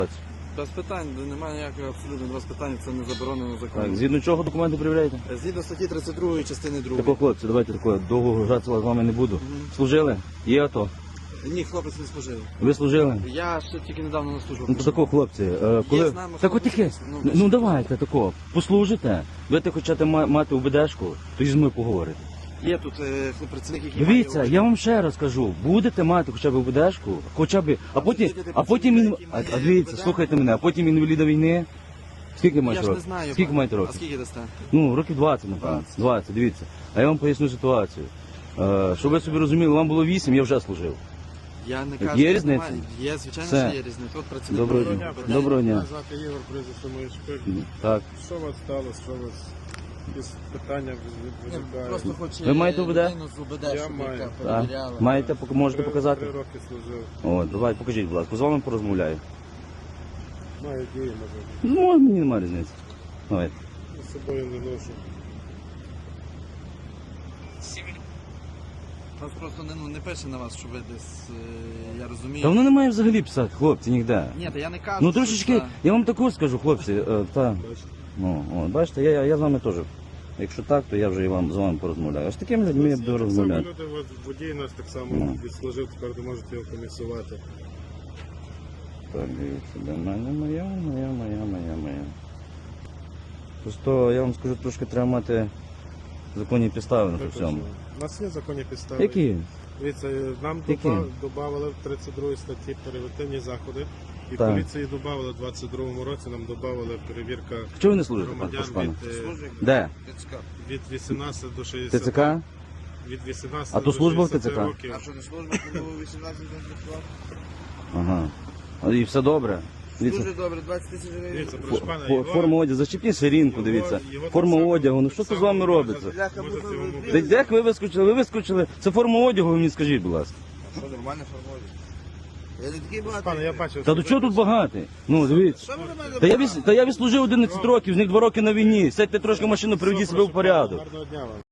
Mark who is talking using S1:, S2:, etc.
S1: Без питань, немає ніякого абсолютно без питань, це не заборонено законом.
S2: Так, згідно чого документи перевіряєте?
S1: Згідно статті 32 частини 2.
S2: Тако, хлопці, давайте такое, довго гратися з вами не буду. Служили? Є АТО?
S1: Ні, хлопець не служив.
S2: Ви служили?
S1: Я ще тільки недавно на службу.
S2: Ну то тако, хлопці, коли...
S1: з нами
S2: Так от
S1: хлопець,
S2: таке, ну давайте тако, послужите, будете хочете мати УБДшку, тоді з мною поговорите.
S1: Є тут працівник, який
S2: Дивіться,
S1: має...
S2: я вам ще раз кажу, будете мати хоча б УБДшку, хоча б, а потім, дивіться, слухайте мене, а потім інваліда війни. Скільки
S1: Я
S2: маєте
S1: ж не
S2: років?
S1: знаю.
S2: Скільки маєте
S1: А
S2: років?
S1: скільки дасте?
S2: Ну, років 20, напевно. 20, дивіться. А я вам поясню ситуацію. Щоб ви собі розуміли, вам було 8, я вже служив.
S1: Я не кажу,
S2: Є
S1: що
S2: різниця?
S1: немає. Є, звичайно,
S2: Все.
S1: що є різниця. От працівник.
S2: Доброго дня. Доброго дня.
S3: Мене звати Ігор, прізвище моє Шпик.
S2: Так.
S3: Що у вас сталося? Що у вас якісь питання виникають?
S1: Просто хоче
S2: Ви маєте УБД?
S1: людину з УБД,
S3: Я
S1: щоб
S3: маю.
S1: яка
S2: Так.
S1: перевіряла.
S2: Маєте, можете показати?
S3: 3 роки служив.
S2: О, давай, покажіть, будь ласка, з вами порозмовляю.
S3: Маю дії, може.
S2: Ну, мені немає різниці. Давайте.
S3: З собою не ношу.
S1: Нас просто не пише на вас, що ви десь, я розумію.
S2: Та воно не має взагалі писати, хлопці, ніде.
S1: Ні, та я не кажу,
S2: Ну
S1: що
S2: трошечки,
S1: це-
S2: я вам також скажу, хлопці,
S3: Бачите?
S2: ну, бачите, я з вами теж. Якщо так, то я вже і з вами порозмовляю. А з такими людьми я буду
S3: Так само
S2: розмовляти.
S3: люди, от водій нас так само
S2: Ну.
S3: відслужив, тепер не можете його комісувати.
S2: Так, дивіться, де мене моя. Просто я вам скажу, трошки треба мати законні підстави на
S3: Так,
S2: всьому.
S3: У нас є законні підстави.
S2: Які?
S3: Дивіться, нам
S2: Які?
S3: додавали в 32 статті перевертивні заходи. І
S2: Так.
S3: поліції додавали в 22-му році, нам додавали перевірка
S2: Чого ви не служите,
S3: громадян
S2: пане?
S3: від,
S2: Де?
S3: від 18 до 60.
S2: ТЦК?
S3: Від 18
S2: А то
S3: до
S2: служба в
S3: 60
S2: ТЦК?
S3: років.
S1: А що не служба, коли 18 не працював?
S2: Ага. І все добре. Дивіться,
S1: Дуже добре, 20 тисяч гривень.
S3: Дивіться, прошу пана,
S2: форма одягу, зачепіть ширинку, дивіться.
S3: його
S2: Форма
S3: так само-
S2: одягу, ну що
S3: так
S2: це з
S3: само
S2: вами робиться?
S1: Бляха,
S3: можете
S1: можна
S3: йому
S1: вибрати.
S2: Та як ви вискочили? Ви вискочили. Це форма одягу, ви мені скажіть, будь ласка.
S1: Що, нормально формує? Я не такий багатий.
S3: Пане, я бачив.
S2: Та до чого тут багатий? Ну, дивіться.
S1: Що ви на мене
S2: Та я відслужив 11 років, з них 2 роки на війні. Сядьте трошки в машину, приведіть себе в порядок.
S3: Гарного дня вам.